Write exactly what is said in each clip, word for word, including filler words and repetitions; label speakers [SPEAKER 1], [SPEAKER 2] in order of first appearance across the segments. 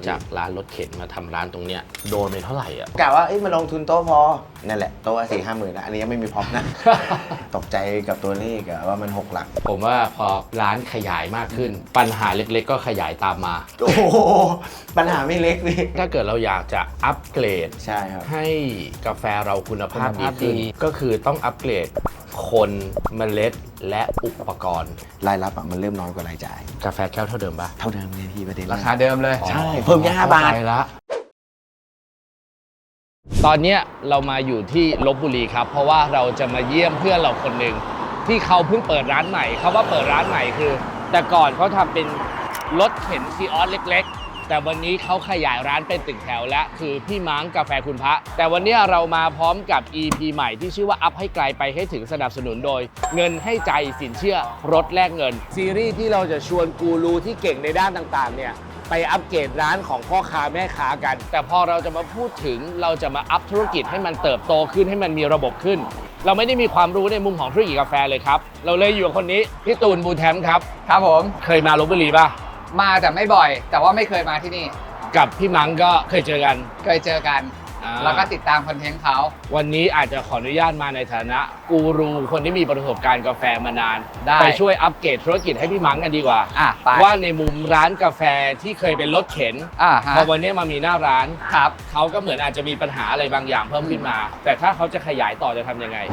[SPEAKER 1] จากร้านรถเข็นมาทำร้านตรงเนี้ยโดนไปเท่าไหร่อ่ะ
[SPEAKER 2] กะว่าเอ้ยมาลงทุนโต๊ะพอนั่นแหละโต๊ะสี่ห้าหมื่นนะอันนี้ยังไม่มีพร็อพนะ ตกใจกับตัวเลขอะว่ามันหกหลัก
[SPEAKER 1] ผมว่าพอร้านขยายมากขึ้นปัญหาเล็กๆก็ขยายตามมา
[SPEAKER 2] โอ้โหปัญหาไม่เล็กพี่
[SPEAKER 1] ถ้าเกิดเราอยากจะอัปเกรด
[SPEAKER 2] ใช่ครับ
[SPEAKER 1] ให้กาแฟเราคุณภาพดีขึ้นก็คือต้องอัปเกรดคนเมล็ดและอุปกรณ์
[SPEAKER 2] รายรับอะมันเริ่มน้อยกว่ารายจ่าย
[SPEAKER 1] กาแฟแก้วเท่าเดิมปะ
[SPEAKER 2] เท่าเดิมเลยพี่ประเด็น
[SPEAKER 3] ราคาเดิมเลย
[SPEAKER 2] ใช่เพิ่มแค่ห้าบาท
[SPEAKER 1] ละตอนนี้เรามาอยู่ที่ลพบุรีครับเพราะว่าเราจะมาเยี่ยมเพื่อนเราคนหนึ่งที่เขาเพิ่งเปิดร้านใหม่เขาว่าเปิดร้านใหม่คือแต่ก่อนเขาทำเป็นรถเข็นซีออสเล็กๆแต่วันนี้เขาขยายร้านเป็นตึกแถวและคือพี่ม้างกาแฟคุณพระแต่วันนี้เรามาพร้อมกับ อี พี ใหม่ที่ชื่อว่าอัพให้ไกลไปให้ถึงสนับสนุนโดยเงินให้ใจสินเชื่อรถแลกเงินซีรีส์ที่เราจะชวนกูรูที่เก่งในด้านต่างๆเนี่ยไปอัปเกรดร้านของพ่อค้าแม่ค้ากันแต่พอเราจะมาพูดถึงเราจะมาอัพธุรกิจให้มันเติบโตขึ้นให้มันมีระบบขึ้นเราไม่ได้มีความรู้ในมุมของธุรกิจกาแฟเลยครับเราเลยอยู่กับคนนี้พี่ตูนบูแทมครับ
[SPEAKER 3] ครับผม
[SPEAKER 1] เคยมาลพบุรีป่ะ
[SPEAKER 3] มาแต่ไม่บ่อยแต่ว่าไม่เคยมาที่นี่
[SPEAKER 1] กับพี่มังก็เคยเจอกัน
[SPEAKER 3] เคยเจอกันแล้วก็ติดตามคอนเทนต์เขา
[SPEAKER 1] วันนี้อาจจะขออนุญาตมาในฐานะกูรูคนที่มีประสบการณ์กาแฟมานานไปช่วยอัปเกรดธุรกิจให้พี่มังกันดีกว่าว่าในมุมร้านกาแฟที่เคยเป็นรถเข็นพอวันนี้มามีหน้าร้าน
[SPEAKER 3] ครับ
[SPEAKER 1] เขาก็เหมือนอาจจะมีปัญหาอะไรบางอย่างเพิ่มขึ้นมาแต่ถ้าเขาจะขยายต่อจะทำยังไง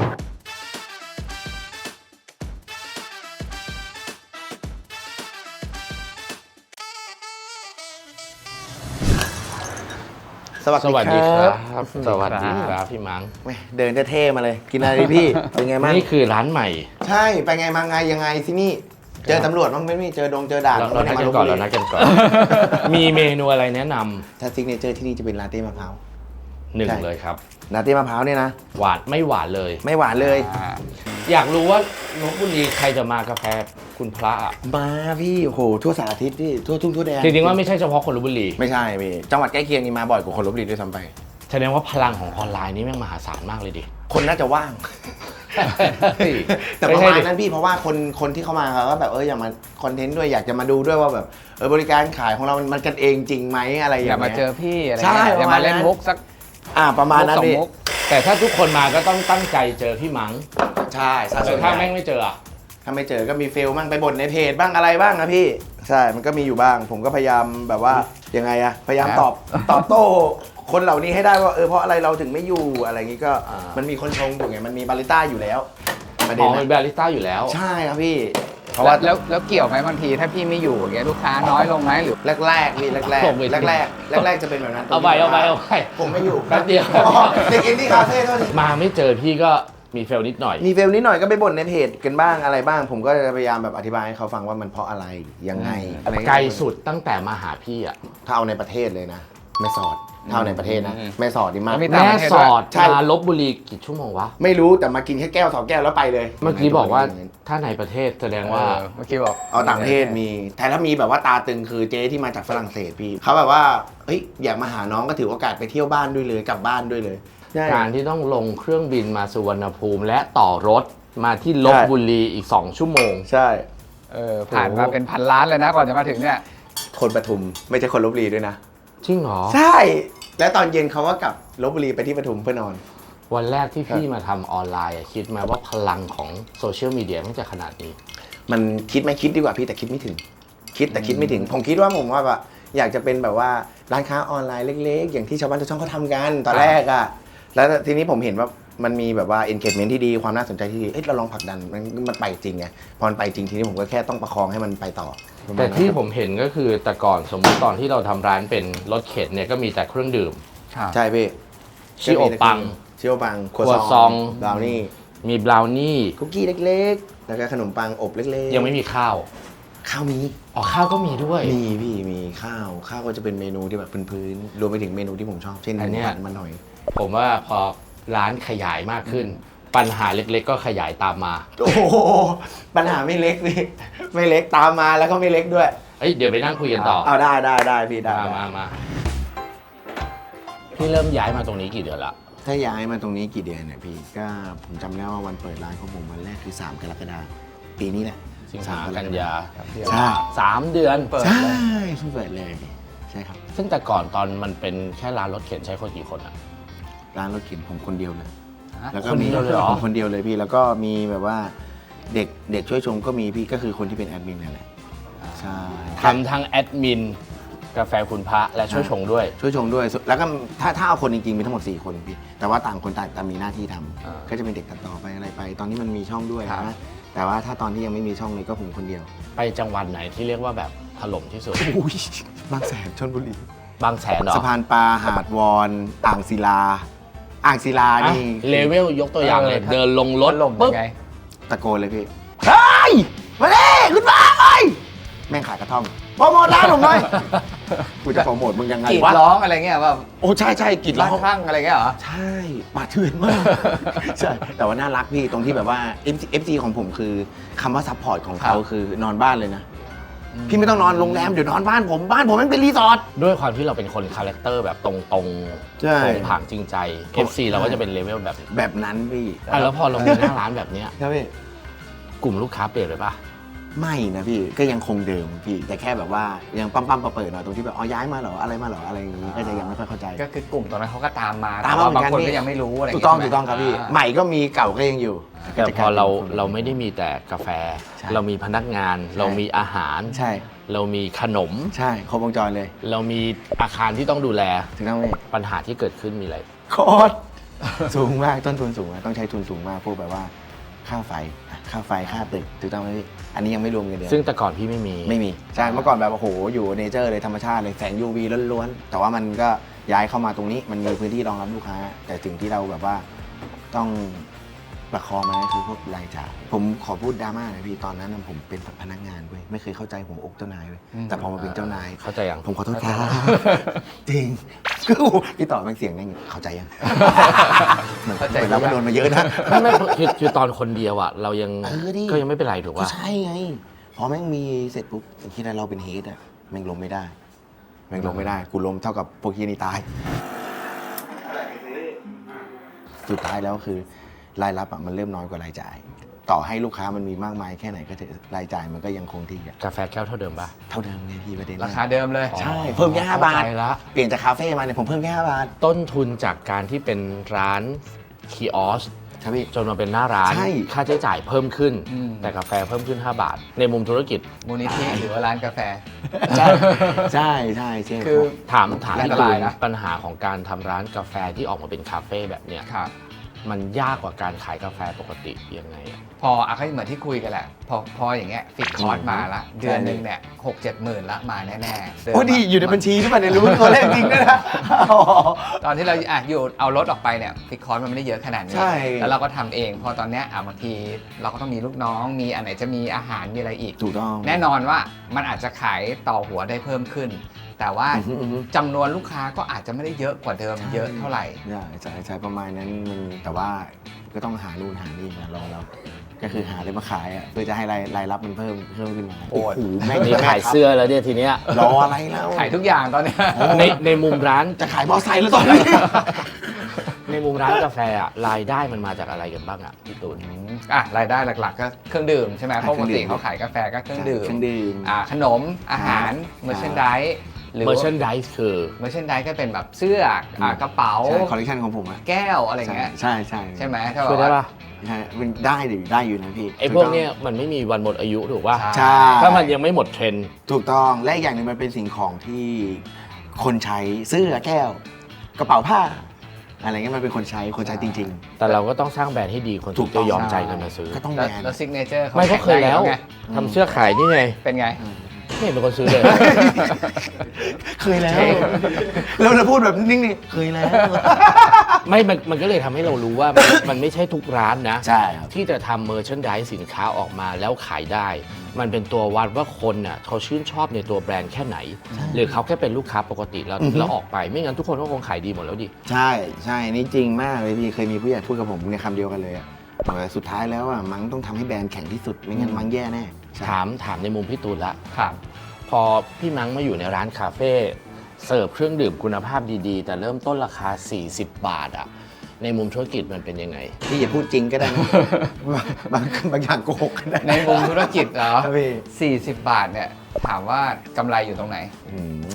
[SPEAKER 2] สวัสดีครับ
[SPEAKER 1] สวัสดีครับพี่มัง
[SPEAKER 2] เดินเท่ๆมาเลยกินอะไรดีพี่เป็นไงบ้าง
[SPEAKER 1] นี่คือร้านใหม่
[SPEAKER 2] ใช่ไปไงมาไงยังไงที่นี่เจอตำรวจบ้างไม่มีเจอดงเจอด่าน
[SPEAKER 1] เรานัดกันก่อนเรานัดกันก่อนมีเมนูอะไรแนะนำ
[SPEAKER 2] ถ้าซิกเนเจอร์ที่นี่จะเป็นลาเต้มะพร้าว
[SPEAKER 1] หนึ่งเลยครับ
[SPEAKER 2] ลาเต้มะพร้าวเนี่ยนะ
[SPEAKER 1] หวานไม่หวานเลย
[SPEAKER 2] ไม่หวานเลย
[SPEAKER 1] อยากรู้ว่าลพบุรีใครจะมากาแฟคุณพระอ่ะ
[SPEAKER 2] มาพี่โอ้โหทั่วสารทิศพี่ทั่วทุ่งทั่วแดน
[SPEAKER 1] จริงๆว่าไม่ใช่เฉพาะคนลพบุรี
[SPEAKER 2] ไม่ใช่พี่จังหวัดใกล้เคียงนี่มาบ่อยกว่าคนลพบุรีด้วยซ้ำไป
[SPEAKER 1] แสดงว่าพลังของออนไลน์นี่แม่งมหาศาลมากเลยดิ
[SPEAKER 2] คนน่าจะว่างแต่ประมาณนั้นพี่เพราะว่าคนคนที่เข้ามาเขาก็แบบเอออยากมาคอนเทนต์ด้วยอยากจะมาดูด้วยว่าแบบเออบริการขายของเรามันกันเองจริงไหมอะไรอย่างเงี้ย
[SPEAKER 3] อยากมาเจอพี่อะไร
[SPEAKER 2] ใช่
[SPEAKER 3] อยากมาเล่นมุกสัก
[SPEAKER 2] อ่าประมาณนั้นพี่
[SPEAKER 1] แต่ถ้าทุกคนมาก็ต้องตั้งใจเจอพี่มัง
[SPEAKER 2] ใช่
[SPEAKER 1] แต่ถ้าแม่งไม่เจออ่ะ
[SPEAKER 2] ถ้าไม่เจอก็มีเฟลบ้างไปบ่นในเพจบ้างอะไรบ้างนะพี่ใช่มันก็มีอยู่บ้างผมก็พยายามแบบว่ายังไงอะพยายามตอบตอบโต้คนเหล่านี้ให้ได้ว่าเออเพราะอะไรเราถึงไม่อยู่อะไรอย่างงี้ก็มันมีคนชงอยู่ไงมันมีบาริสต้าอยู่แล้ว
[SPEAKER 1] ประเด็นมีบาริสต้าอยู่แล้ว
[SPEAKER 2] ใช่ครับพี่
[SPEAKER 3] เพราะว่าแล้วแล้วเกี่ยวไหมบางทีถ้าพี่ไม่อยู่อย่างเงี้ยลูกค้าน้อยลงไหมหรือ
[SPEAKER 2] แรกๆพี่แรกๆแรกแรกแรกแรกจะเป็นแบบนั้น
[SPEAKER 1] เอาไปเอาไปเอาไป
[SPEAKER 2] ผมไม่อยู่
[SPEAKER 1] แป๊บเดียว
[SPEAKER 2] เด็กอินดี้คาเฟ่เท่านี้
[SPEAKER 1] มาไม่เจอพี่ก็มีเฟลนิดหน่อย
[SPEAKER 2] มีเฟลนิดหน่อยก็ไปบ่นในเพจกันบ้างอะไรบ้างผมก็จะพยายามแบบอธิบายให้เขาฟังว่ามันเพราะอะไรยังไง
[SPEAKER 1] ไกลสุดตั้งแต่มาหาพี่อ่ะ
[SPEAKER 2] ถ้าเอาในประเทศเลยนะแม่สอดเท่าในประเทศนะแม่สอดดีมาก
[SPEAKER 1] แม่สอดมาลพบุรีกี่ชั่วโมงวะ
[SPEAKER 2] ไม่รู้แต่มากินแค่แก้วสองแก้วแล้วไปเลย
[SPEAKER 1] เมื่อกี้บอกว่าถ้าในประเทศแสดงว่า
[SPEAKER 3] เมื่อกี้บอก
[SPEAKER 2] เอาต่างประเทศมีแต่ถ้ามีแบบว่าตาตึงคือเจ๊ที่มาจากฝรั่งเศสพี่เขาแบบว่าเฮ้ยอยากมาหาน้องก็ถือโอกาสไปเที่ยวบ้านด้วยเลยกลับบ้านด้วยเลย
[SPEAKER 1] การที่ต้องลงเครื่องบินมาสุวรรณภูมิและต่อรถมาที่ลพบุรีอีกสองชั่วโมง
[SPEAKER 2] ใช่
[SPEAKER 3] เออผ่านมาเป็นพันล้านเลยนะก่อนจะมาถึงเนี่ย
[SPEAKER 2] คนปทุมไม่ใช่คนลพบุรีด้วยนะ
[SPEAKER 1] จริงเหรอ
[SPEAKER 2] ใช่และตอนเย็นเขาก็กลับลพบุรีไปที่ปทุมเพื่อนอน
[SPEAKER 1] วันแรกที่พี่มาทำออนไลน์คิดไหมว่าพลังของโซเชียลมีเดียมันจะขนาดนี้
[SPEAKER 2] มันคิดไม่คิดดีกว่าพี่แต่คิดไม่ถึงคิดแต่คิดไม่ถึงผมคิดว่าผมว่าแบบอยากจะเป็นแบบว่าร้านค้าออนไลน์เล็กๆอย่างที่ชาวบ้านชาวช่องเขาทำกันตอนแรกอะแล้วทีนี้ผมเห็นว่ามันมีแบบว่า engagement ที่ดีความน่าสนใจที่ดีเอ้ยเราลองผลักดันมันมันไปจริงไงพอมันไปจริงทีนี้ผมก็แค่ต้องประคองให้มันไปต่อ
[SPEAKER 1] แต่ที่ผมเห็นก็คือแต่ก่อนสมมติตอนที่เราทำร้านเป็นรถเข็นเนี่ยก็มีแต่เครื่องดื่ม
[SPEAKER 2] ใช่พี่
[SPEAKER 1] ชิโอปัง
[SPEAKER 2] ชิโอปัง
[SPEAKER 1] ครัวซอง
[SPEAKER 2] บราวนี่
[SPEAKER 1] มีบราวนี่
[SPEAKER 2] คุกกี้เล็กๆแล้วก็ขนมปังอบเล็ก
[SPEAKER 1] ๆยังไม่มีข้าว
[SPEAKER 2] ข้าวมี
[SPEAKER 1] อ๋อข้าวก็มีด้วย
[SPEAKER 2] มีพี่มีข้าวข้าวก็จะเป็นเมนูที่แบบพื้นๆรวมไปถึงเมนูที่ผมชอบเช่นผัดมันหน่อย
[SPEAKER 1] ผมว่าพอร้านขยายมากขึ้นปัญหาเล็กๆก็ขยายตามมา
[SPEAKER 2] โอ้โหปัญหาไม่เล็กพี่ไม่เล็กตามมาแล้วก็ไม่เล็กด้วย
[SPEAKER 1] เอ้ยเดี๋ยวไปนั่งคุยกันต่อ
[SPEAKER 2] เอาได้ได้ได้พี่ได้
[SPEAKER 1] มามาพี่เริ่มย้ายมาตรงนี้กี่เดือนละ
[SPEAKER 2] ถ้าย้ายมาตรงนี้กี่เดือนเนี่ยพี่ก็ผมจำได้ว่าวันเปิดร้านของผมวันแรกคือสามกรกฎาคมปีนี้แหละ
[SPEAKER 1] สิงหากันยา
[SPEAKER 2] ใช่
[SPEAKER 1] สามเดือนเปิด
[SPEAKER 2] ใช่เพิ่งเปิดเลยช่ครับ
[SPEAKER 1] ซึ่งแต่ก่อนตอนมันเป็นแค่ร้านรถเข็นใช้คนกี่คนอะ
[SPEAKER 2] ร้านรถเข็นผมคนเดียวเลย
[SPEAKER 3] ฮะ
[SPEAKER 2] แล้วก็
[SPEAKER 1] คน
[SPEAKER 2] มี
[SPEAKER 1] เดียวเลยเหรอ
[SPEAKER 2] ผมคนเดียวเลยพี่แล้วก็มีแบบว่าเด็กเด็กช่วยชมก็มีพี่ก็คือคนที่เป็นแอดมินนั่นแหละใช่
[SPEAKER 1] ทำทั้งแอดมินกาแฟคุณพระและช่วยชงด้วย
[SPEAKER 2] ช่วยชมด้วยแล้วก็ถ้าถ้าเอาคนจริงๆมีทั้งหมดสี่คนพี่แต่ว่าต่างคนต่างต่างมีหน้าที่ทำ
[SPEAKER 1] อ่า
[SPEAKER 2] ก็จะเป็นเด็กตัดต่อไปอะไรไป ตอนนี้มันมีช่องด้วย
[SPEAKER 3] ครับ
[SPEAKER 2] นะแต่ว่าถ้าตอนที่ยังไม่มีช่องเลยก็ผมคนเดียว
[SPEAKER 1] ไปจังหวัดไหนที่เรียกว่าแบบถล่มที่สุด
[SPEAKER 2] อุ้ยบางแสนชลบุรี
[SPEAKER 1] บางแสนเหรอ
[SPEAKER 2] สะพานปลาหาดวอนอ่างศิลา อ่างศิลา
[SPEAKER 1] อ่ะ
[SPEAKER 2] นี่
[SPEAKER 1] เลเวลยกตัวอย่างเลย
[SPEAKER 3] เออ
[SPEAKER 1] เดินลงรถ
[SPEAKER 3] ถล่ม
[SPEAKER 1] ปุ๊บ
[SPEAKER 3] ยังไง
[SPEAKER 2] ตะโกนเลยพี่เฮ้ยมาดิคุณมาไอ้แม่งขายกระท่อมโปรโมทร้านผมหน่อยกูจะโปรโมทมึงยังไง
[SPEAKER 3] กรีด
[SPEAKER 2] วะ
[SPEAKER 3] ร้องอะไรเงี้ยว่า
[SPEAKER 2] โอ้ใช่ใช่กรีดร้
[SPEAKER 3] ร้า
[SPEAKER 2] อน ง
[SPEAKER 3] ข้างอะไรเงี้ยเหรอ
[SPEAKER 2] ใช่ป่าเถื่อนมาก ใช่ แต่ว่าน่ารักพี่ตรงที่แบบว่า เอฟ ซี เอฟ ซี ของผมคือคำว่าซัพพอร์ตของเขา
[SPEAKER 3] ครับ
[SPEAKER 2] คือนอนบ้านเลยนะ พี่ไม่ต้องนอนโรงแรมเดี๋ยวนอนบ้านผมบ้านผมมันเป็นรีสอร์ท
[SPEAKER 1] ด้วยความที่เราเป็นคนคาแรคเตอร์แบบตรงๆตรง
[SPEAKER 2] ใช่
[SPEAKER 1] ผางจริงใจ เอฟ ซี เราก็จะเป็นเลเวลแบบนี้
[SPEAKER 2] แบบนั้นพี่
[SPEAKER 1] อ่ะแล้วพอเรามีหน้าร้านแบบเนี้ย
[SPEAKER 2] ครับพี่
[SPEAKER 1] กลุ่มลูกค้าเปลี่ยนเลยปะ
[SPEAKER 2] ไม่นะพี่ก็ยังคงเดิมพี่ แต่แค่แบบว่ายังปั๊มปั๊มๆเปิดๆหน่อยตรงที่แบบอ๋อย้ายมาเหรออะไรมาเหรออะไรอย่างงี้ก็จะยังไม่ค่อยเข้าใจ
[SPEAKER 3] ก็คือกลุ่มตอนนั้นเขาก็ตามมา
[SPEAKER 2] ตามมา
[SPEAKER 3] แต่
[SPEAKER 2] เหมื
[SPEAKER 3] ว่า
[SPEAKER 2] อน
[SPEAKER 3] บางคน
[SPEAKER 2] กันพี่
[SPEAKER 3] ก็ยังไม่รู้อะไร
[SPEAKER 2] ถูกต้อง
[SPEAKER 3] ใช่
[SPEAKER 2] ถู
[SPEAKER 3] ไหม
[SPEAKER 2] กต้องครับพี่
[SPEAKER 3] า
[SPEAKER 2] ใหม่ก็มีเก่าก็ยังอยู่
[SPEAKER 1] แต่พอเราเราไม่ได้มีแต่กาแฟ
[SPEAKER 2] ใช่
[SPEAKER 1] เรามีพนักงาน เรามีอาหาร
[SPEAKER 2] ใช่
[SPEAKER 1] เรามีขนม
[SPEAKER 2] ใช่ครบวงจรเลย
[SPEAKER 1] เรามีอาคารที่ต้องดูแล
[SPEAKER 2] ถูกต้องไหม
[SPEAKER 1] ปัญหาที่เกิดขึ้นมีอะไร
[SPEAKER 2] โคตรสูงมากต้นทุนสูงมากต้องใช้ทุนสูงมากพวกแบบว่าค่าไฟอ่ะค่าไฟค่าตึกถูกต้องไหมพี่อันนี้ยังไม่รวมเงินเดือน
[SPEAKER 1] ซึ่งแต่ก่อนพี่ไม่มี
[SPEAKER 2] ไม่มีใช่เมื่อก่อนแบบโอ้โหอยู่เนเจอร์เลยธรรมชาติเลยแสง ยู วี ล้วนๆแต่ว่ามันก็ย้ายเข้ามาตรงนี้มันมีพื้นที่รองรับลูกค้า แต่สิ่งที่เราแบบว่าต้องประคองมันก็คือพวกรายจ่ายผมขอพูดดราม่าหน่อยพี่ตอนนั้นนะผมเป็นพนักงานเว้ยไม่เคยเข้าใจหัวอกเจ้านายเว้ยแต่พอมาเป็นเจ้านาย
[SPEAKER 1] เข้าใจยัง
[SPEAKER 2] ผมขอโทษครับจริงคือพี่ต่อเป็นเสียงนั่งอยู่เข้าใจยังเหมือน
[SPEAKER 3] เข้าใจ
[SPEAKER 2] เหมือนเราก็โดนมาเยอะนะ
[SPEAKER 1] ไม่ไม่คือคือตอนคนเดียวอ่ะเรายัง
[SPEAKER 2] เออดิ
[SPEAKER 1] ก็ยังไม่เป็นไรถูก
[SPEAKER 2] ก็
[SPEAKER 1] ป่ะ
[SPEAKER 2] ใช่ไง พอแม่งมีเสร็จปุ๊บคิดว่าเราเป็นเฮดอะแม่งลมไม่ได้ แม่งลมไม่ได้ กูลมเท่ากับพวกเฮียนี่ตาย สุดท้ายแล้วคือรายรับอะมันเริ่มน้อยกว่ารายจ่าย ต่อให้ลูกค้ามันมีมากมายแค่ไหนก็เถอะรายจ่ายมันก็ยังคงที่อะ
[SPEAKER 1] กาแฟแก้วเท่าเดิมป่ะ
[SPEAKER 2] เท่าเดิมไงพี่ประเด็น
[SPEAKER 3] ราคาเดิมเลย
[SPEAKER 2] ใช่ เพิ่มแค่ห้าบาท
[SPEAKER 1] เข้ใจละ
[SPEAKER 2] เปลี่ยนจากคาเฟ่มาเนี่ยผมเพิ่มแค่ห้าบาท
[SPEAKER 1] ต้นทุนจากการที่เป็นร้านคีออส
[SPEAKER 2] ครับพี่
[SPEAKER 1] จนมาเป็นหน้าร้าน
[SPEAKER 2] ใช่
[SPEAKER 1] ค่าใช้จ่ายเพิ่มขึ้น
[SPEAKER 3] อืม
[SPEAKER 1] แต่กาแฟเพิ่มขึ้น ห้า บาท ในมุมธุรกิจ
[SPEAKER 3] มูลนิธิหรือว่าร้านกาแฟ
[SPEAKER 2] ใช่ใช่ใช่ใช่
[SPEAKER 3] คือ
[SPEAKER 1] ถามถาม
[SPEAKER 3] อัน
[SPEAKER 1] ที่
[SPEAKER 3] ต
[SPEAKER 1] ตู
[SPEAKER 3] ราย
[SPEAKER 1] น
[SPEAKER 3] นะ
[SPEAKER 1] ปัญหาของการทำร้านกาแฟที่ออกมาเป็นคาเฟ่แบบเนี้ย
[SPEAKER 3] ครับ
[SPEAKER 1] มันยากกว่าการขายกาแฟปกติยังไงอะ
[SPEAKER 3] พออ่ะก็เหมือนที่คุยกันแหละ พอพออย่างเงี้ยฟิกคอร์สมาละ เดือนหนึ่งเนี่ยหกเจ็ดหมื่นละมาแน่ๆเม
[SPEAKER 2] โอ้ดีอยู่ในบัญชีหรือเปล่าเนี่ยรู้ตัวเลขจริงด้วยนะ
[SPEAKER 3] ตอนที่เราอ่ะอยู่เอารถออกไปเนี่ยฟิกคอร์สมันไม่ได้เยอะขนาดนี้
[SPEAKER 2] ใช่
[SPEAKER 3] แล้วเราก็ทำเอง พอตอนเนี้ยอ่ะบางทีเราก็ต้องมีลูกน้อง มีอันไหนจะมีอาหารมีอะไรอีก
[SPEAKER 2] ถูกต้อง
[SPEAKER 3] แน่นอนว่ามันอาจจะขายต่อหัวได้เพิ่มขึ้น แต่ว่า
[SPEAKER 2] อือฮึอือฮึ
[SPEAKER 3] จำนวนลูกค้าก็อาจจะไม่ได้เยอะกว่าเดิมเยอะเท่าไหร่
[SPEAKER 2] ใช่ใช่ใช่ประมาณนั้นมันแต่ว่าก็ต้องหานู่นหานี่มารอเราก็คือหาอะไรมาขายอ่ะเพื่อจะให้รายรายรับมันเพิ่มเพิ่มขึ้นมา
[SPEAKER 3] โอ้ย
[SPEAKER 2] โหแม่ง
[SPEAKER 1] มีขายเสื้อแล้วเนี่ยทีเนี้ย
[SPEAKER 2] รออะไรแล้ว
[SPEAKER 3] ขายทุกอย่างตอนเนี้ย
[SPEAKER 1] ในในมุมร้าน
[SPEAKER 2] จะขายมอไซค์แล้วตอนนี้
[SPEAKER 1] ในมุมร้านกาแฟอะรายได้มันมาจากอะไรกันบ้างอะพี่ตูน
[SPEAKER 3] อ่ะรายได้หลักๆ ก็เครื่องดื่มใช่ไหม
[SPEAKER 2] อ่ะ
[SPEAKER 3] เพราะปกติ
[SPEAKER 2] เครื่องดื่ม
[SPEAKER 3] เขาขายกาแฟก็เครื่องดื่ม
[SPEAKER 2] เครื่องดื่ม
[SPEAKER 3] อ่าขนมอาหารเมอร์เชนไดหรือ
[SPEAKER 1] merchandise คือ
[SPEAKER 3] เมอร์เชนไดก็เป็นแบบเสื้ออ่ากระเป๋า
[SPEAKER 2] ใช่คอลเลคชันของผมอ่ะ
[SPEAKER 3] แก้วอะไรเงี้ย
[SPEAKER 2] ใช่ใช่
[SPEAKER 3] ใช่ไหมถ้า
[SPEAKER 1] ช่วยได้
[SPEAKER 3] ว่า
[SPEAKER 1] ปะ
[SPEAKER 2] ใช่มันได้ดิได้อยู่นะพี่
[SPEAKER 1] ไอ้พวกเนี้ยมันไม่มีวันหมดอายุถูกป่ะ
[SPEAKER 2] ใช่
[SPEAKER 1] ถ้ามันยังไม่หมดเทรนด์
[SPEAKER 2] ถูกต้องและอีกอย่างหนึ่งมันเป็นสิ่งของที่คนใช้เสื้อแก้ว กระเป๋าผ้า อะไรเงี้ยมันเป็นคนใช้คนใช้จริง
[SPEAKER 1] แต่เราก็ต้องสร้างแบรนด์ให้ดีคน
[SPEAKER 2] ถู
[SPEAKER 1] ถึ
[SPEAKER 2] ก
[SPEAKER 1] ง
[SPEAKER 2] ต้
[SPEAKER 1] จะ
[SPEAKER 2] อง
[SPEAKER 1] ยอมใจกันมาซื้อ
[SPEAKER 2] ๆ ก็ต้องแบ
[SPEAKER 3] แล้ว
[SPEAKER 2] รนด์
[SPEAKER 3] แล้วซิกเนเจอร์เขา
[SPEAKER 1] ไม่ก็เคยแล้ว
[SPEAKER 3] ไง
[SPEAKER 1] ทำเสื้อขายนี่ไง
[SPEAKER 3] เป็นไง
[SPEAKER 1] ไม่เห็นเป็นคนซื้อเลย
[SPEAKER 2] เคยแล้วเราจะพูดแบบนิ่งๆเคยแล้ว
[SPEAKER 1] ไม่มันมันก็เลยทำให้เรารู้ว่ามันมันไม่ใช่ทุกร้านนะ
[SPEAKER 2] ใช่ครับ
[SPEAKER 1] ที่จะทำเมอร์ชันไดสินค้าออกมาแล้วขายได้ มันเป็นตัววัดว่าคนน่ะเขาชื่นชอบในตัวแบรนด์แค่ไหน หรือเขาแค่เป็นลูกค้าปกติแล้ว
[SPEAKER 2] อือฮึ
[SPEAKER 1] แล้วออกไปไม่งั้นทุกคนก็คงขายดีหมดแล้วดิ
[SPEAKER 2] ใช่ใช่นี่จริงมากเลยพี่เคยมีผู้ใหญ่พูดกับผมในคำเดียวกันเลยอะบอกว่าสุดท้ายแล้วอะมังต้องทำให้แบรนด์แข็งที่สุดไม่งั้นมังแย่แน่ใช่
[SPEAKER 1] ถามถามในมุมพี่ตูนละ
[SPEAKER 3] ครับ
[SPEAKER 1] พอพี่มังมาอยู่ในร้านคาเฟ่เสิร์ฟเครื่องดื่มคุณภาพดีๆ แต่เริ่มต้นราคา สี่สิบบาทอะในมุมธุรกิจมันเป็นยังไง
[SPEAKER 2] พี่อย่าพูดจริงก็ได้นะ บางบางอย่างโกหกก็ได้
[SPEAKER 3] ในมุมธุรกิจเหรอ
[SPEAKER 2] ครับพี่
[SPEAKER 3] สี่สิบบาทเนี่ยถามว่ากำไรอยู่ตรงไหน
[SPEAKER 2] อืมกำไรไม่ย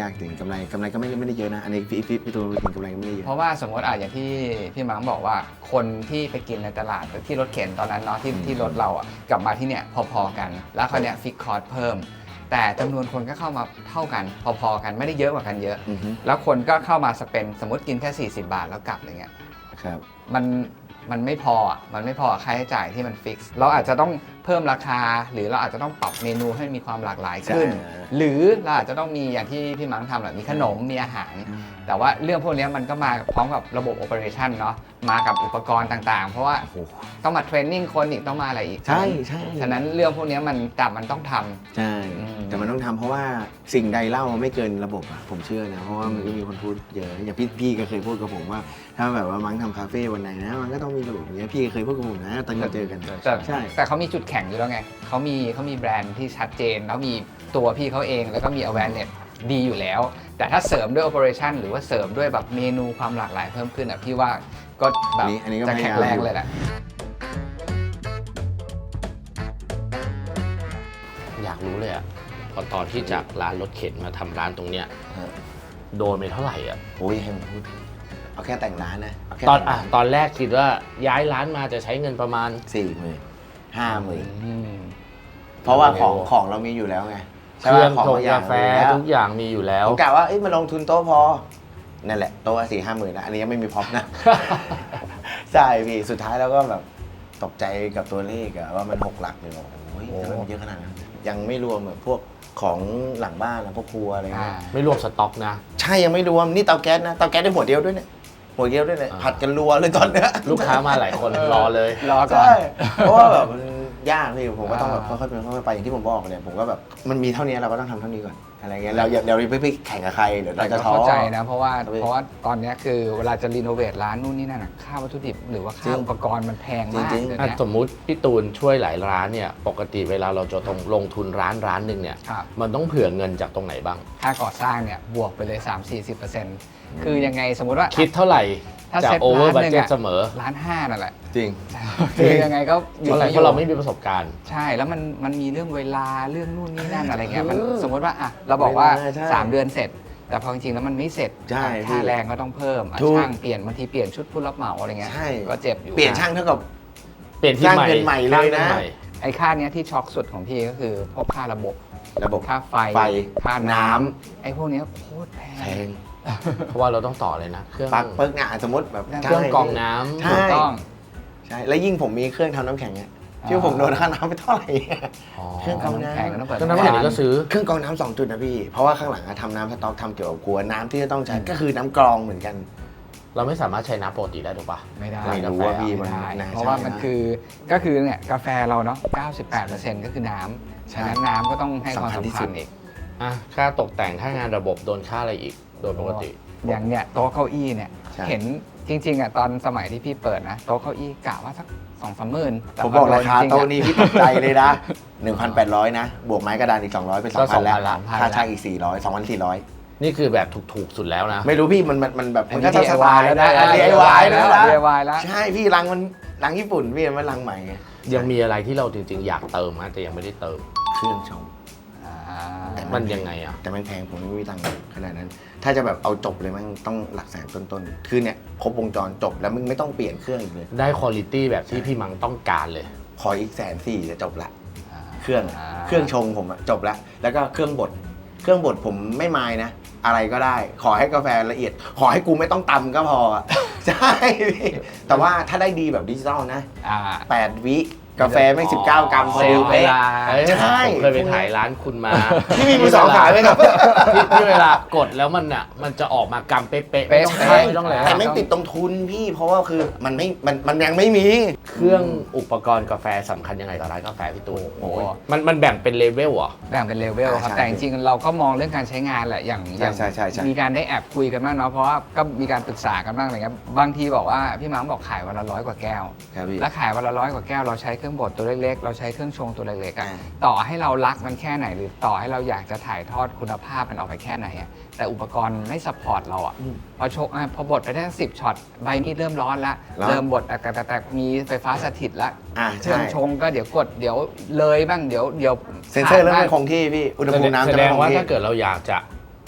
[SPEAKER 2] ยากถึงกำไรกำไรก็ไม่ไม่ได้เยอะนะอันนี้พี่พี่พี่ตูนถึงกำไรก็ไม่ได้เยอะ
[SPEAKER 3] เพราะว่าสมมติอ่ะอย่างที่พี่มังบอกว่าคนที่ไปกินในตลาดที่รถเข็นตอนนั้นเนาะที่ที่รถเราอ่ะกลับมาที่เนี่ยพอๆกัน แล้วคราวเนี้ยฟิกคอร์สเพิ่ม แต่จำนวนคนก็เข้ามาเท่ากันพอๆกันไม่ได้เยอะกว่ากันเยอะ
[SPEAKER 2] อือฮึ
[SPEAKER 3] แล้วคนก็เข้ามาสเปนสมมติกินแค่สี่สิบบาทแล้วกลับอย่างเงี้ย
[SPEAKER 2] ครับ
[SPEAKER 3] มันมันไม่พออ่ะมันไม่พอค่าใช้จ่ายที่มันฟิกซ์เราอาจจะต้องเพิ่มราคา หรือเราอาจจะต้องปรับเมนูให้มีความหลากหลายขึ้น
[SPEAKER 2] ใช่
[SPEAKER 3] หรือเราอาจจะต้องมีอย่างที่พี่มังทำแหละมีขนมมีอาหาร แต่ว่าเรื่องพวกนี้มันก็มาพร้อมกับระบบโอเปอเรชันเนาะมากับอุปกรณ์ต่างๆ เพราะว่าต้องมาเทรนนิ่งคนอีกต้องมาอะไรอีก
[SPEAKER 2] ใช่ใช่
[SPEAKER 3] ฉะนั้นเรื่องพวกนี้มันจับมันต้องทำ
[SPEAKER 2] ใช่
[SPEAKER 3] อืม
[SPEAKER 2] แต่มันต้องทำเพราะว่าสิ่งใดเล่าไม่เกินระบบอะผมเชื่อนะเพราะว่ามันก็มีคนพูดเยอะอย่างพี่พี่ก็เคยพูดกับผมว่า ถ้าแบบว่ามั้งทำคาเฟ่วันไหนนะมันก็ต้องมีระบบอย่างเงี้ยพี่ก็เคยพูดกับผมนะตอนเราเจอกัน
[SPEAKER 3] แต่
[SPEAKER 2] ใช่
[SPEAKER 3] แต่เขามีจุดแข็งอยู่แล้วไงเขามีเขามีแบรนด์ที่ชัดเจน แล้วมีตัวพี่เขาเองแล้วก็มี awareness ดีอยู่แล้ว แต่ถ้าเสริมด้วย operation หรือว่าเสริมด้วยแบบเมนูความหลากหลายเพิ่มขึ้นอ่ะพี่ว่าก็แบบ
[SPEAKER 2] อันนี้อันนี้ก็
[SPEAKER 3] จะ
[SPEAKER 2] พยายาม
[SPEAKER 3] แข็งแรงเลยแหละ
[SPEAKER 1] อยากรู้เลยอะพอตอนที่จากร้านรถเข็นมาทำร้านตรงเนี้ย
[SPEAKER 2] ฮะ
[SPEAKER 1] โดนไปเท่าไหร่อะ
[SPEAKER 2] โอ้ยให้ผมพูดเอาแค่แต่งร้านนะเอาแค่
[SPEAKER 1] ตอน
[SPEAKER 2] แต่ง
[SPEAKER 1] อ่ะ
[SPEAKER 2] ร้าน
[SPEAKER 1] ตอนแรกคิดว่าย้ายร้านมาจะใช้เงินประมาณ
[SPEAKER 2] สี่หมื่นห้าหมื่น
[SPEAKER 3] อืม
[SPEAKER 2] เพราะว่าของ
[SPEAKER 1] โอ้
[SPEAKER 2] ของเรามีอยู่แล้วไง
[SPEAKER 1] เครื่อง
[SPEAKER 2] ใช่ปะ
[SPEAKER 1] ชง
[SPEAKER 2] บย่
[SPEAKER 1] กาแฟ
[SPEAKER 2] มีอยู่ล้ว
[SPEAKER 1] ทุกอย่างมีอยู่แล้ว
[SPEAKER 2] ผมกะว่าเอ้ยมาลงทุนโต๊ะพอ นั่นแหละโต๊ะสี่ห้าหมื่นนะอันนี้ยังไม่มีพร็อพนะ ใช่พี่สุดท้ายแล้วก็แบบตกใจกับตัวเลขอะว่ามันหกหลักเลยบอกโอ้ย
[SPEAKER 1] โอ้
[SPEAKER 2] ทำไมมันเยอะขนาดนั้นยังไม่รวมแบบพวกของหลังบ้านแล้วพวกครัวอะไร
[SPEAKER 3] อ่า
[SPEAKER 2] เงี้ย
[SPEAKER 1] ไม่รวมสต็อกนะ
[SPEAKER 2] ใช่ยังไม่รวมนี่เตาแก๊สนะเตาแก๊สได้หัวเดียวด้วยเนี่ยหัวเดียวด้วยเลย
[SPEAKER 1] อ่า
[SPEAKER 2] ผัดกันรัวเลยตอนเนี้ย
[SPEAKER 1] ลูกค้ามาหลายคนรอเลย
[SPEAKER 3] รอก่อน
[SPEAKER 2] ใช่เพราะว่าแบบมันยากพี่ผมก็ต้องแบบ
[SPEAKER 3] อ่า
[SPEAKER 2] ค่อยๆเป็นค่อยๆไปอย่างที่ผมบอกเนี่ยผมก็แบบมันมีเท่านี้เราก็ต้องทำเท่านี้ก่อนอะไรเงี้ยเราอย่าเราอย่าไปแข่งกับใครเดี๋ยว
[SPEAKER 3] แต่
[SPEAKER 2] เรา
[SPEAKER 3] ก็
[SPEAKER 2] จะท้อ
[SPEAKER 3] เข้าใจนะเพราะว่า
[SPEAKER 2] ครับพี่
[SPEAKER 3] เพราะว่าตอนเนี้ยคือเวลาจะรีโนเวทร้านนู่นนี่นั่นอะค่าวัตถุดิบหรือว่า
[SPEAKER 2] จริ
[SPEAKER 3] ค่าง อุปกรณ์มันแพงมาก
[SPEAKER 2] จริงๆ
[SPEAKER 3] เดี๋ยว
[SPEAKER 1] อ่ะ
[SPEAKER 3] เนี้ย
[SPEAKER 1] สมมุติพี่ตูนช่วยหลายร้านเนี่ย ปกติเวลาเราจะต้องลงทุนร้านร้านหนึ่งเนี่ย
[SPEAKER 3] ครับ
[SPEAKER 1] มันต้องเผื่อเงินจากตรงไหนบ้าง
[SPEAKER 3] ค่าก่อสร้างเนี่ยบวกไปเลย สามถึงสี่สิบเปอร์เซ็นต์ คือยังไงสมมุติว่า
[SPEAKER 1] คิดเท่าไหร่
[SPEAKER 3] ถ้า
[SPEAKER 1] จะ
[SPEAKER 3] เซ็ต
[SPEAKER 1] โอเวอร์
[SPEAKER 3] ร้าน
[SPEAKER 1] บัต
[SPEAKER 3] หนึ่ง
[SPEAKER 1] เจ็ต
[SPEAKER 3] อะ
[SPEAKER 1] เสมอ
[SPEAKER 3] ร้านห้านั่นแหละ
[SPEAKER 2] จริง
[SPEAKER 3] คือยังไงก็อ
[SPEAKER 1] เพ
[SPEAKER 3] ยู่
[SPEAKER 1] ราะอะไร
[SPEAKER 3] ที่
[SPEAKER 1] เพราะเราไม่มีประสบการณ์
[SPEAKER 3] ใช่แล้วมันมันมีเรื่องเวลาเรื่องนู่นนี่นั่นอะไรเงี้ยมันสมมติว่าอ่ะเราบอกว่า
[SPEAKER 2] เวลาใช่
[SPEAKER 3] สามเดือนเสร็จ แต่พอจริงๆแล้วมันไม่เสร็จ
[SPEAKER 2] ใช่
[SPEAKER 3] อ่ะ
[SPEAKER 2] พี่
[SPEAKER 3] ค่าแรงก็ต้องเพิ่มอ่ะ
[SPEAKER 2] ถูก
[SPEAKER 3] ช่างเปลี่ยนบางทีเปลี่ยนชุดผู้รับเหมาอะไรเงี้ย
[SPEAKER 2] ใช่
[SPEAKER 3] ก็เจ็บอยู่
[SPEAKER 2] เปลี่ยนช่างเท่ากับ
[SPEAKER 1] เปลี่ยนที่
[SPEAKER 2] สร้าง
[SPEAKER 1] ใหม่
[SPEAKER 2] เป็นใหม่เลยนะ
[SPEAKER 1] สร้างป็ใหม่
[SPEAKER 3] ไอ้ค่าเนี้ยที่ช็อกสุดของพี่ก็คือพวกค่าระบบ
[SPEAKER 2] ระบบ
[SPEAKER 3] ค่าไฟ
[SPEAKER 2] ไฟ
[SPEAKER 3] ค่า
[SPEAKER 2] น้
[SPEAKER 3] น้ำไอ้พวกเนี้ยโคตรแพ
[SPEAKER 2] แพ
[SPEAKER 3] ง
[SPEAKER 2] ง
[SPEAKER 1] เพราะว่าเราต้องต่อเลยนะ เครื่อง
[SPEAKER 2] ปลั๊กเปิกเนี่ยสมมติแบบ
[SPEAKER 1] เครื่องกรองน้ำ
[SPEAKER 2] ใช่
[SPEAKER 3] ถูกต้อง
[SPEAKER 2] ใช่แล้วยิ่งผมมีเครื่องทำน้ำแข็งเนี่ย
[SPEAKER 3] อ่า
[SPEAKER 2] ที่ผมโดนค่าน้ำไปเท่าไหร่
[SPEAKER 1] อ๋อ
[SPEAKER 2] เครื่องกรองน้ำ
[SPEAKER 3] แพงก็ต้องเปิด
[SPEAKER 1] เครื่องน้ำแข็งนี่ก็ซื้อ
[SPEAKER 2] เครื่องกรองน้ำสองจุดนะพี่ เพราะว่าข้างหลังอะทำน้ำสต๊อกทำเกี่ยวกับครัวน้ำที่จะต้องใช้ก็คือน้ำกรองเหมือนกัน
[SPEAKER 1] เราไม่สามารถใช้น้ำปกติได้ถูกปะ
[SPEAKER 3] ไม่ได้
[SPEAKER 2] ไม่รู้ว่าพี่มัน
[SPEAKER 3] ไม่ได้
[SPEAKER 2] น่า
[SPEAKER 3] เพราะว่า
[SPEAKER 2] ใช่
[SPEAKER 3] มัน
[SPEAKER 2] นะ
[SPEAKER 3] คือก็คือเนี่ยกาแฟเราเนาะ เก้าสิบแปดเปอร์เซ็นต์ ก็คือน้ำฉะนั้นน้ำก็ต้องให้ความ
[SPEAKER 2] สำคัญที่
[SPEAKER 3] สำ
[SPEAKER 2] สุ
[SPEAKER 3] คั
[SPEAKER 2] ด
[SPEAKER 3] ญอีก
[SPEAKER 1] อ่ะค่าตกแต่งค่างานระบบโดนค่าอะไรอีก โดยปกติ
[SPEAKER 3] อย่างเนี่ยโต๊ะเก้าอี้เนี่ย
[SPEAKER 2] ใช่
[SPEAKER 3] เห็นจริงๆอ่ะตอนสมัยที่พี่เปิดนะโต๊ะเก้าอี้กะว่าสักสองสามหมื่นแต่
[SPEAKER 2] ผม
[SPEAKER 3] พ
[SPEAKER 2] บอก
[SPEAKER 3] โด
[SPEAKER 2] ราน คา
[SPEAKER 3] จงๆ
[SPEAKER 2] โต๊ะ
[SPEAKER 3] อะ
[SPEAKER 2] นี้พี่ตกใจเลยนะ หนึ่งพันแปดร้อย นะ บวกไม้กระดานอีก สองร้อย เป็น
[SPEAKER 1] ก็
[SPEAKER 2] สองพัน แล้ว
[SPEAKER 1] สองพันละ
[SPEAKER 2] ค่าช่างอีก สี่ร้อย สองพันสี่ร้อย
[SPEAKER 1] นี่คือแบบถูกๆสุดแล้วนะ
[SPEAKER 2] ไม่รู้พี่มันมันมันแบบ
[SPEAKER 3] อัน
[SPEAKER 2] มัน
[SPEAKER 3] นี้
[SPEAKER 2] ก็จะสบายแล้วนะ
[SPEAKER 3] ดี
[SPEAKER 2] ดี
[SPEAKER 3] ไอ
[SPEAKER 2] ไอ
[SPEAKER 3] วาว
[SPEAKER 2] าย ย
[SPEAKER 3] แล้
[SPEAKER 2] แล้ว วนะ
[SPEAKER 3] ดีไอวายแล้ว
[SPEAKER 2] ใช่พี่รังมันรังญี่ปุ่นพี่มันรังใหม่ไง
[SPEAKER 1] ยังมีอะไรที่เราจริงๆ อยากเติมนะแต่ยังไม่ได้เติม
[SPEAKER 2] เครื่องชง
[SPEAKER 3] อ่า
[SPEAKER 1] มันยังไงอ่ะ
[SPEAKER 2] แต่มันแพงผมไม่มีตังค์ขนาดนั้น ถ้าจะแบบเอาจบเลยมันต้องหลักแสนต้นๆ คือเนี่ยครบวงจรจบแล้วมึงไม่ต้องเปลี่ยนเครื่องอีกเลย
[SPEAKER 1] ได้คุณภาพแบบที่พี่มังต้องการเลย
[SPEAKER 2] ขออีกแสนสี่จะจบละ
[SPEAKER 3] อ่า
[SPEAKER 2] เครื่องอะ
[SPEAKER 3] อ่า
[SPEAKER 2] เครื่องชงผมอะจบละแล้วก็เครื่องบดเครื่องบดผมไม่มายนะ อะไรก็ได้ ขอให้กาแฟละเอียด ขอให้กูไม่ต้องตำก็พออะ ใช่พี่แต่ว่าถ้าได้ดีแบบดิจิตอลนะ
[SPEAKER 3] อ่า
[SPEAKER 2] แปดวิกาแฟไม่สิบเก้ากรัมพอ
[SPEAKER 3] เซ
[SPEAKER 2] ดี
[SPEAKER 3] ลล์เว
[SPEAKER 2] เป๊ะ
[SPEAKER 3] ลา
[SPEAKER 1] เอ้ย
[SPEAKER 2] ใช่
[SPEAKER 1] ผมเคยไปถ่ายร้านคุณมา
[SPEAKER 2] พี่มีมือสองขายไหมครับ
[SPEAKER 1] ที่ที่เวลากดแล้วมันอ่ะ มันจะออกมากำเป๊ะๆไม่ต้อง
[SPEAKER 3] เป๊ะ
[SPEAKER 1] ใช้ไม่ต้องอะไร
[SPEAKER 2] แต่ไม่ติดตรงทุนพี่เพราะว่าคือมันไม่มันมันยังไม่มี
[SPEAKER 1] เครื่องอุปกรณ์กาแฟสำคัญยังไงกับร้านกาแฟพี่ตูน
[SPEAKER 3] โอ้โห
[SPEAKER 1] มันมันแบ่งเป็นเลเวลเหรอ
[SPEAKER 3] แบ่งเป็นเลเวลครับ
[SPEAKER 2] อ่าใช่
[SPEAKER 3] แต่จริงๆเราก็มองเรื่องการใช้งานแหละอย่างอย่าง
[SPEAKER 2] ใช่ใช่ใช่
[SPEAKER 3] มีการได้แอบคุยกันบ้างเนาะเพราะว่าก็มีการปรึกษากันบ้างอะไรเงี้ยบางทีบอกว่าพี่มังบอกขายวันละร้อยกว่าแก้ว
[SPEAKER 2] ครับพี่
[SPEAKER 3] แล้วขายวันละร้อยกว่าแก้วเราใช้เครื่องบดตัวเล็กๆ เราใช้เครื่องชงตัวเล็กๆอะ
[SPEAKER 2] อ่า
[SPEAKER 3] ต่อให้เรารักมันแค่ไหนหรือต่อให้เราอยากจะถ่ายทอดคุณภาพมันออกไปแค่ไหนอะแต่อุปกรณ์ไม่ซัพพอร์ตเราอะพอชกอ่ะพอบดไปได้สิบช็อตใบมีดเริ่มร้อนละ
[SPEAKER 2] ร้อน
[SPEAKER 3] เริ่มบดแต่แต่แต่มีไฟฟ้าสถิตละ
[SPEAKER 2] อ่า
[SPEAKER 3] เค
[SPEAKER 2] ใช่
[SPEAKER 3] รื่องชงก็เดี๋ยวกดเดี๋ยวเลยบ้างเดี๋ยวเดี๋ยว
[SPEAKER 2] เซนเซอร์เริ่ม
[SPEAKER 3] ขาด
[SPEAKER 2] ไม่
[SPEAKER 3] บ้าง
[SPEAKER 2] คงที่พี่อุณหภูมิน้ำ
[SPEAKER 1] แส
[SPEAKER 2] จะ
[SPEAKER 1] ด
[SPEAKER 2] ไม่
[SPEAKER 1] ง
[SPEAKER 2] คง
[SPEAKER 1] ว่า
[SPEAKER 2] ที่
[SPEAKER 1] ถ้าเกิดเราอยากจะ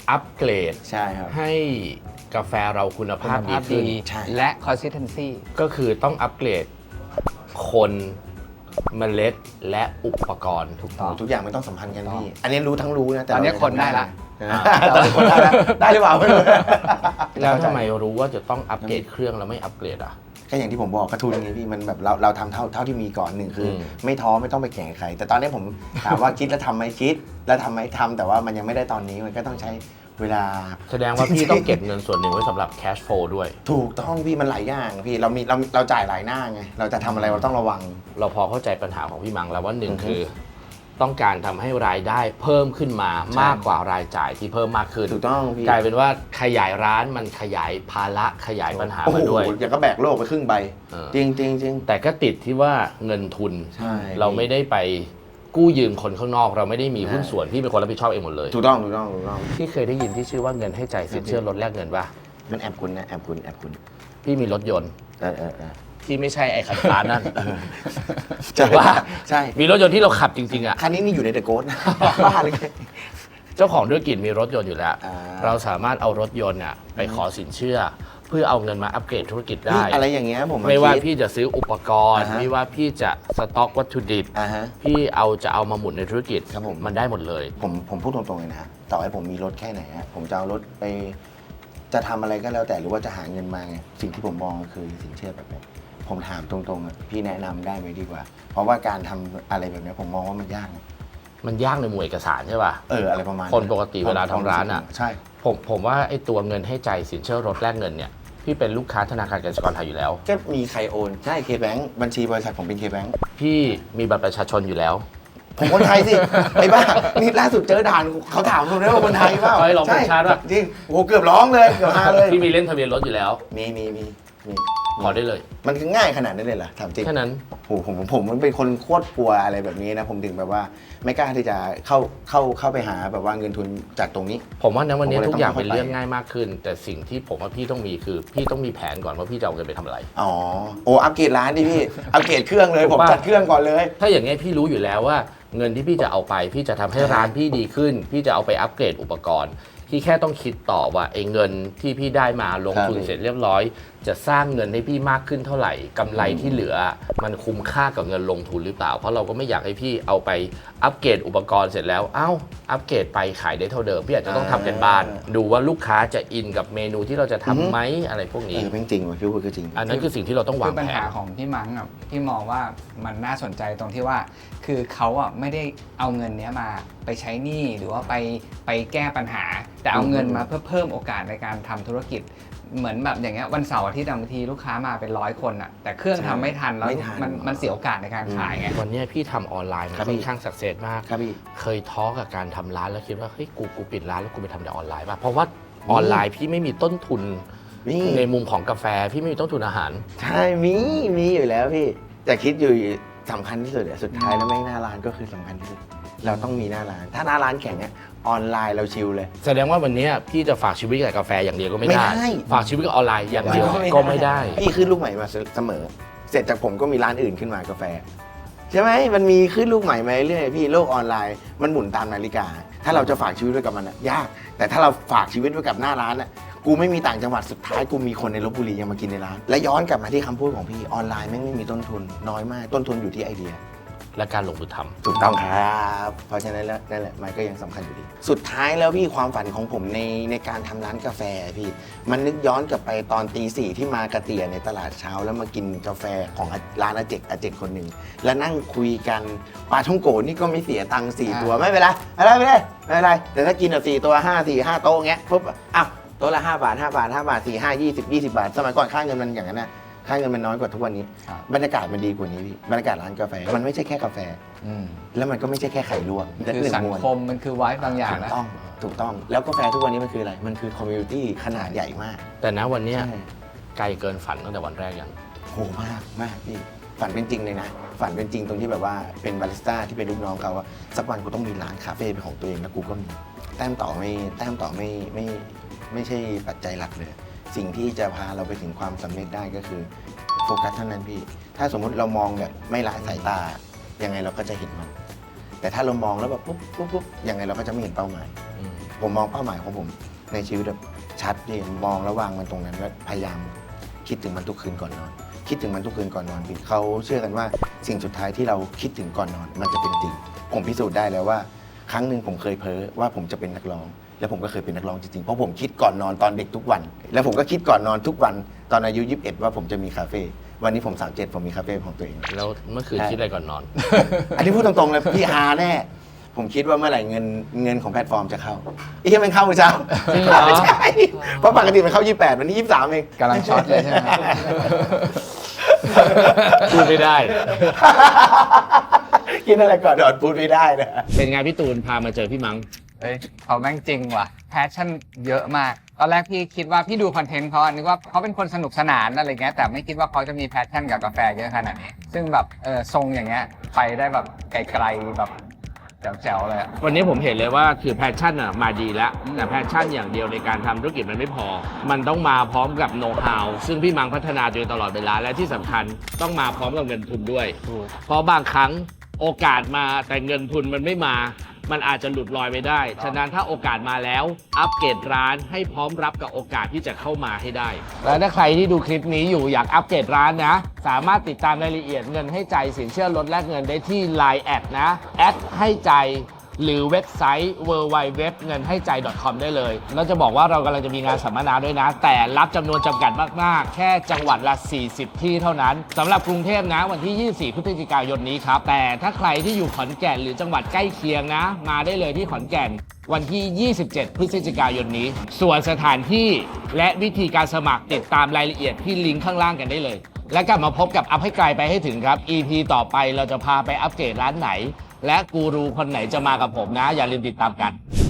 [SPEAKER 1] อัปเกรด
[SPEAKER 2] ใช่ครับ
[SPEAKER 1] ให้กาแฟเราคุณภาพ
[SPEAKER 3] คุณ
[SPEAKER 1] ดี
[SPEAKER 3] ภาพ
[SPEAKER 1] ขึ้น
[SPEAKER 3] ดี
[SPEAKER 2] ใช่
[SPEAKER 3] และ consistency
[SPEAKER 1] ก็คือต้องอัปเกรดคนเมล็ดและอุปกรณ์ถูกต้อง
[SPEAKER 2] ทุกอย่างมันต้องสัมพันธ์กันพี่ อันนี้รู้ทั้งรู้นะแต่
[SPEAKER 3] ตอนนี้
[SPEAKER 2] เรา
[SPEAKER 3] คนได้ละ
[SPEAKER 2] อ่าตอนนี้คนได้ละได้หรือเปล่าไม่รู้
[SPEAKER 1] แล้วทำไมรู้ว่าจะต้องอัปเกรดเครื่องแล้วไม่อัปเกรดอ่ะ
[SPEAKER 2] ก็อย่างที่ผมบอกกระทุนไงพี่มันแบบเราเราทำเท่าเท่าที่มีก่อนหนึ่งคืออ
[SPEAKER 1] ม
[SPEAKER 2] ไม่ท้อไม่ต้องไปแข่งกับใคร แต่ตอนนี้ผมถามว่าคิดแล้วทำไหมคิด แล้วทำไหมทำแต่ว่ามันยังไม่ได้ตอนนี้มันก็ต้องใช้เวลา
[SPEAKER 1] แสดงว่าพี่ต้องเก็บเงินส่วนหนึ่งไว้สำหรับ cash flow ด้วย
[SPEAKER 2] ถูกต้องพี่มันหลายอย่างพี่เรามีเราเราจ่ายหลายหน้าไงเราจะทำอะไรเราต้องระวัง
[SPEAKER 1] เราพอเข้าใจปัญหาของพี่มังแล้วว่าหนึ่ง
[SPEAKER 2] อือฮึ
[SPEAKER 1] คือ ต้องการทำให้รายได้เพิ่มขึ้นมา
[SPEAKER 2] ใช่
[SPEAKER 1] มากกว่ารายจ่ายที่เพิ่มมากขึ้น
[SPEAKER 2] ถูกต้องพี่
[SPEAKER 1] กลายเป็นว่าขยายร้านมันขยายภาระขยายปัญหา
[SPEAKER 2] โอ้โห
[SPEAKER 1] มาด้วย
[SPEAKER 2] อย่างก็แบกโลกไปครึ่งใบ
[SPEAKER 1] เออ
[SPEAKER 2] จริงจริงจริง
[SPEAKER 1] แต่ก็ติดที่ว่าเงินทุน
[SPEAKER 2] ใช่
[SPEAKER 1] เราไม่ได้ไปกู้ยืมคนข้างนอก เราไม่ได้มี
[SPEAKER 2] ใช่
[SPEAKER 1] หุ้นส่วนพี่เป็นคนรับผิดชอบเองหมดเลย
[SPEAKER 2] ถูกต้องถูกต้องถูกต้อง
[SPEAKER 1] พี่เคยได้ยินที่ชื่อว่าเงินให้ใจสินเชื่อลดแลกเงินป่ะ
[SPEAKER 2] มันแอบคุณนะแอบคุณแอบคุณ
[SPEAKER 1] พี่มีรถยนต์
[SPEAKER 2] เออเออเออ
[SPEAKER 1] ที่ไม่ใช่ไอ้คันฟ้านั่น
[SPEAKER 2] ใช่
[SPEAKER 1] ว่า
[SPEAKER 2] ใช่
[SPEAKER 1] มีรถยนต์ที่เราขับจริงๆอ่ะ
[SPEAKER 2] คันนี้นี่อยู่ในเดอะโกสนะบ้าเลย
[SPEAKER 1] เจ้าของธุรกิจมีรถยนต์อยู่แล้ว
[SPEAKER 2] อ่า
[SPEAKER 1] เราสามารถเอารถยนต์อ่ะไปขอสินเชื่อ เพื่อเอาเงินมาอัปเกรดธุรกิจได้
[SPEAKER 2] นี่อะไรอย่างเงี้ยผม
[SPEAKER 1] ไม่ว่า
[SPEAKER 2] คิด
[SPEAKER 1] พี่จะซื้ออุปกรณ์
[SPEAKER 2] อ่าฮะ
[SPEAKER 1] ไม่ว่าพี่จะสต็อกวัตถุดิบ
[SPEAKER 2] อ่าฮะ
[SPEAKER 1] พี่เอาจะเอามาหมุนในธุรกิจ
[SPEAKER 2] ครับผม
[SPEAKER 1] มันได้หมดเลย
[SPEAKER 2] ผมผมพูดตรงๆเลยนะต่อให้ผมมีรถแค่ไหนฮะผมจะเอารถไป จะทำอะไรก็แล้วแต่หรือว่าจะหาเงินมาไงสิ่งที่ผมมองก็คือสินเชื่อแบบนี้ผมถามตรงๆอะพี่แนะนำได้ไหมดีกว่า เพราะว่าการทำอะไรแบบนี้ผมมองว่ามันยากนะ
[SPEAKER 1] มันยากในหมวดเอกสารใช่ป่ะ
[SPEAKER 2] เอออะไรประมาณ
[SPEAKER 1] คนปกติเวลาทำร้านอะ
[SPEAKER 2] ใช่
[SPEAKER 1] ผมผมว่าไอ้ตัวเงินให้ใจสินเชื่อรถแลกเงินเนี่ยพี่เป็นลูกค้าธนาคารกสิกรไทยอยู่แล้ว
[SPEAKER 2] ก็มีใครโอนใช่เคแบงค์บัญชีบริษัทผมเป็นเคแบงค์
[SPEAKER 1] พี่มีบัตรประชาชนอยู่แล้ว
[SPEAKER 2] ผมคนไทยสิ ไอ้บ้านี่ล่าสุดเจอด่านเขาถามผมเลยว่าคนไทยเปล่า
[SPEAKER 1] เฮ้ยลองเป็นชาติป่ะ
[SPEAKER 2] จริงโอ้โหเกือบร้องเลยเกือบมาเลย
[SPEAKER 1] พี่มีเล่นทะเบียนรถอยู่แล้ว
[SPEAKER 2] มีมีมีมี
[SPEAKER 1] ขอได้เลย
[SPEAKER 2] มันง่ายขนาดนั้นเลยเหรอถามจริง
[SPEAKER 1] แค่นั้น
[SPEAKER 2] โอ้โหผมผมผมมันเป็นคนโคตรกลัวอะไรแบบนี้นะผมถึงแบบว่าไม่กล้าที่จะเข้าเข้าเข้าไปหาแบบว่าเงินทุนจากตรงนี้
[SPEAKER 1] ผมว่านะวันนี้
[SPEAKER 2] ผมก็เลย
[SPEAKER 1] ทุกอย่าง
[SPEAKER 2] ต้องค่อยๆ
[SPEAKER 1] เป็นเรื่องง่ายมากขึ้น แต่สิ่งที่ผมว่าพี่ต้องมีคือ พี่ต้องมีแผนก่อนว่าพี่จะเอาเงินไปทำอะไร
[SPEAKER 2] อ๋อโอ้อัปเกรดร้านดิพี่ อัปเกรดเครื่องเลย
[SPEAKER 1] ถูก
[SPEAKER 2] ผม
[SPEAKER 1] ปะ
[SPEAKER 2] จัดเครื่องก่อนเลย
[SPEAKER 1] ถ้าอย่างนี้ยพี่รู้อยู่แล้วว่าเงินที่พี่จะเอาไป พี่จะทำให้ร้านพี่ดีขึ้น พี่จะเอาไปอัปเกรดอุปกรณ์ พี่แค่ต้องคิดต่อว่าไอ้เงินที่พี่ได้มาลงทุน
[SPEAKER 2] ครับ
[SPEAKER 1] เสร็จเรียบร้อย จะสร้างเงินให้พี่มากขึ้นเท่าไหร่กำไรที่เหลือ มันคุ้มค่ากับเงินลงทุนหรือเปล่า เพราะเราก็ไม่อยากให้พี่เอาไปอัปเกรดอุปกรณ์เสร็จแล้วเอ้าอัปเกรดไปขายได้เท่าเดิมพี่อาจจะต้องทำกันบ้าน ดูว่าลูกค้าจะอินกับเมนูที่เราจะทำไหมอะไรพวก
[SPEAKER 2] เอ
[SPEAKER 1] นี้
[SPEAKER 2] อเป็นจริงว่ะพี่พูดคือจริง
[SPEAKER 1] อันนั้นคือสิ่งที่เราต้องวา
[SPEAKER 3] คื
[SPEAKER 1] ง
[SPEAKER 3] อปัญ
[SPEAKER 1] แผ
[SPEAKER 3] หาน ของพี่มั้งอ่ะพี่มองว่ามันน่าสนใจตรงที่ว่า คือเขาอ่ะไม่ได้เอาเงินเนี้ยมาไปใช้หนี้หรือว่าไปไปแก้ปัญหา แต่เอาเงินมาเพื่อเพิ่มโอกาสในการทำธุรกิจ เหมือนแบบอย่างเงี้ยวันเสาร์อาทิตย์บางทีลูกค้ามาเป็นร้อยคนอ่ะแต่เครื่องทำไม่ทันแล้ว
[SPEAKER 2] ไม่ทัน
[SPEAKER 3] มันมันเสียโอกาสในการขายไง
[SPEAKER 1] วันเนี้ยพี่ทำออนไลน์มัน
[SPEAKER 2] ครับ
[SPEAKER 1] ค่
[SPEAKER 2] พี่
[SPEAKER 1] อนข้างสักเซสมาก
[SPEAKER 2] ครับพี่
[SPEAKER 1] เคยท้อกับการทำร้านแล้วคิดว่าเฮ้ยกูกูปิดร้านแล้วกูไปทำแต่ออนไลน์ป่ะเพราะว่าออนไลน์พี่ไม่มีต้นทุน
[SPEAKER 2] นี่
[SPEAKER 1] ในมุมของกาแฟพี่ไม่มีต้นทุนอาหาร
[SPEAKER 2] ใช่มีมีอยู่แล้วพี่แต่คิดอยู่สำคัญที่สุดอะสุดท้ายแล้วแม่งหน้าร้านก็คือสำคัญที่สุดเราต้องมีหน้าร้าน ถ้าหน้าร้านแข็งอะออนไลน์เราชิลเลย
[SPEAKER 1] แสดงว่าวันเนี้ยพี่จะฝากชีวิตกับกาแฟอย่างเดียวก็ไม่ได้
[SPEAKER 2] ไม่ได้
[SPEAKER 1] ฝากชีวิตกับออนไลน์อย่างเดียวก็ไม่ได้
[SPEAKER 2] พี่ขึ้นลูกใหม่มาเสมอ เสร็จจากผมก็มีร้านอื่นขึ้นมากาแฟ ใช่ไหมมันมีขึ้นลูกใหม่มาเรื่อยๆพี่โลกออนไลน์มันหมุนตามนาฬิกา ถ้าเราจะฝากชีวิตไว้กับมันอะยาก แต่ถ้าเราฝากชีวิตไว้กับหน้าร้านอะกูไม่มีต่างจังหวัดสุดท้ายกูมีคนในลบบุรียังมากินในร้าน และย้อนกลับมาที่คำพูดของพี่ออนไลน์แม่งไม่มีต้นทุนน้อยมากต้นทุนอยู่ที่ไอเดีย
[SPEAKER 1] และการลงมือทำ
[SPEAKER 2] ถูกต้องครับ เพราะฉะนั้นแล้วนั่นแหละมันก็ยังสำคัญอยู่ดี สุดท้ายแล้วพี่ความฝันของผมในในการทำร้านกาแฟพี่ มันนึกย้อนกลับไปตอนตีสี่ที่มากระเตียในตลาดเช้า แล้วมากินกาแฟของร้านอาเจกอาเจกคนหนึ่งแล้วนั่งคุยกันปลาท่องโกนี่ก็ไม่เสียตังค์สี่
[SPEAKER 3] อ่า
[SPEAKER 2] ตัวไม่เป็นไรไม่เป็นไรไม่เป็นไรไม่เป็นไรแต่ถ้ากินอ่ะสี่ตัวห้าสี่ห้าโต๊ะเงี้ยปุ๊บอ้าวโต๊ะละห้าบาทห้าบาทห้าบาทสี่ห้ายี่สิบยี่สิบบาทสมัยก่อนค่าเงินมันอย่างนั้นนะค่าเงินมันน้อยกว่าทุกวันนี้
[SPEAKER 3] ครับ
[SPEAKER 2] บรรยากาศมันดีกว่านี้พี่บรรยากาศร้านกาแฟมันไม่ใช่แค่กาแฟ
[SPEAKER 3] อืม
[SPEAKER 2] แล้วมันก็ไม่ใช่แค่ไข่ลวก
[SPEAKER 3] มันคือสังคมมันคือไว้บางอย่าง
[SPEAKER 2] ถูก
[SPEAKER 3] นะ
[SPEAKER 2] ต้องถูกต้องแล้วกาแฟทุกวันนี้มันคืออะไร มันคือคอมมูนิตี้ขนาดใหญ่มาก
[SPEAKER 1] แต่ณวันเนี้ย
[SPEAKER 2] ใช่
[SPEAKER 1] ไกลเกินฝันตั้งแต่วันแรกยัง
[SPEAKER 2] โหมากมากพี่ฝันเป็นจริงเลยนะ ฝันเป็นจริงตรงที่แบบว่าเป็นบาริสต้าที่เป็นลูกน้องเขาว่าสักวันกูต้องมีร้านคาเฟ่เป็นของตัวเองแล้วกูก็มีแต้มต่อไม่แต้มต่อไม่ไม่ไม่ใช่ปัจจัยหลักเลย สิ่งที่จะพาเราไปถึงความสำเร็จได้ก็คือโฟกัสเท่านั้นพี่ ถ้าสมมุติเรามองแบบไม่ละสายตายังไงเราก็จะเห็นมัน แต่ถ้าเรามองแล้วแบบปุ๊บปุ๊บปุ๊บยังไงเราก็จะไม่เห็นเป้าหมาย
[SPEAKER 1] อืม
[SPEAKER 2] ผมมองเป้าหมายของผมในชีวิตแบบชัดเจนมองแล้ววางมันตรงนั้นแล้วพยายามคิดถึงมันทุกคืนก่อนนอน คิดถึงมันทุกคืนก่อนนอนพี่เขาเชื่อกันว่าสิ่งสุดท้ายที่เราคิดถึงก่อนนอน มันจะเป็นจริงผมพิสูจน์ได้แล้วว่าครั้งหนึ่งผมเคยเพ้อว่าผมจะเป็นนักร้อง แล้วผมก็เคยเป็นนักร้องจริงๆเพราะผมคิดก่อนนอนตอนเด็กทุกวัน แล้วผมก็คิดก่อนนอนทุกวันตอนอายุยี่สิบเอ็ดว่าผมจะมีคาเฟ่วันนี้ผมสามสิบเจ็ดผมมีคาเฟ่ของตัวเอง
[SPEAKER 1] แล้วเมื่อคืนคิดอะไรก่อนนอน
[SPEAKER 2] อันนี้พูดตรงๆเลยพี่ฮาแน่ ผมคิดว่าเมื่อไหร่เงินเงินของแพลตฟอร์มจะเข้าอีกมันเข้าเมื่อเช้า
[SPEAKER 1] จริงเหรอ
[SPEAKER 2] ใช่เพราะปกติมันเข้ายี่สิบแปดวันนี้ยี่สิบสามเอง
[SPEAKER 3] กำลังช็อตเลยใช่ไหมครับ
[SPEAKER 1] พูดไม่ได้
[SPEAKER 2] กินอะไรก่อนนอนพูดไม่ได้นะ
[SPEAKER 1] เป็นไงพี่ตูนพามาเจอพี่มัง
[SPEAKER 3] เฮ้ยเขาแม่งจริงว่ะแพชชั่นเยอะมาก ตอนแรกพี่คิดว่าพี่ดูคอนเทนต์เขาอะนึกว่าเขาเป็นคนสนุกสนานอะไรเงี้ยแต่ไม่คิดว่าเขาจะมีแพชชั่นกับกาแฟเยอะขนาดนี้ ซึ่งแบบเออทรงอย่างเงี้ยไปได้แบบไกลๆแบบแจ๋วๆเลยอะ
[SPEAKER 1] วันนี้ผมเห็นเลยว่าคือแพชชั่นอ่ะมาดีแล้วแต่แพชชั่นอย่างเดียวในการทำธุรกิจมันไม่พอ มันต้องมาพร้อมกับโน้ตฮาวซึ่งพี่มังพัฒนาตัวเองตลอดเวลาและที่สำคัญต้องมาพร้อมกับเงินทุนด้วย เพราะบางครั้งโอกาสมาแต่เงินทุนมันไม่มา มันอาจจะหลุดลอยไปได้ ฉะนั้นถ้าโอกาสมาแล้ว อัปเกรดร้านให้พร้อมรับกับโอกาสที่จะเข้ามาให้ได้ และถ้าใครที่ดูคลิปนี้อยู่อยากอัปเกรดร้านนะ สามารถติดตามรายละเอียดเงินให้ใจสินเชื่อลดแลกเงินได้ที่ ไลน์ แอดนะแอดให้ใจหรือเว็บไซต์ ดับเบิลยู ดับเบิลยู ดับเบิลยู ดอท เงินให้ใจ ดอท คอม ได้เลยแล้วจะบอกว่าเรากำลังจะมีงานสัมมนาด้วยนะ แต่รับจำนวนจำกัดมาก ๆ แค่จังหวัดละ สี่สิบ ที่เท่านั้นสำหรับกรุงเทพนะวันที่ ยี่สิบสี่ พฤศจิกายนนี้ครับ แต่ถ้าใครที่อยู่ขอนแก่นหรือจังหวัดใกล้เคียงนะ มาได้เลยที่ขอนแก่นวันที่ ยี่สิบเจ็ด พฤศจิกายนนี้ ส่วนสถานที่และวิธีการสมัครติดตามรายละเอียดที่ลิงก์ข้างล่างกันได้เลย และกลับมาพบกับอัพให้ไกลไปให้ถึงครับ อี พี ต่อไปเราจะพาไปอัปเกรดร้านไหน และกูรูคนไหนจะมากับผมนะ อย่าลืมติดตามกัน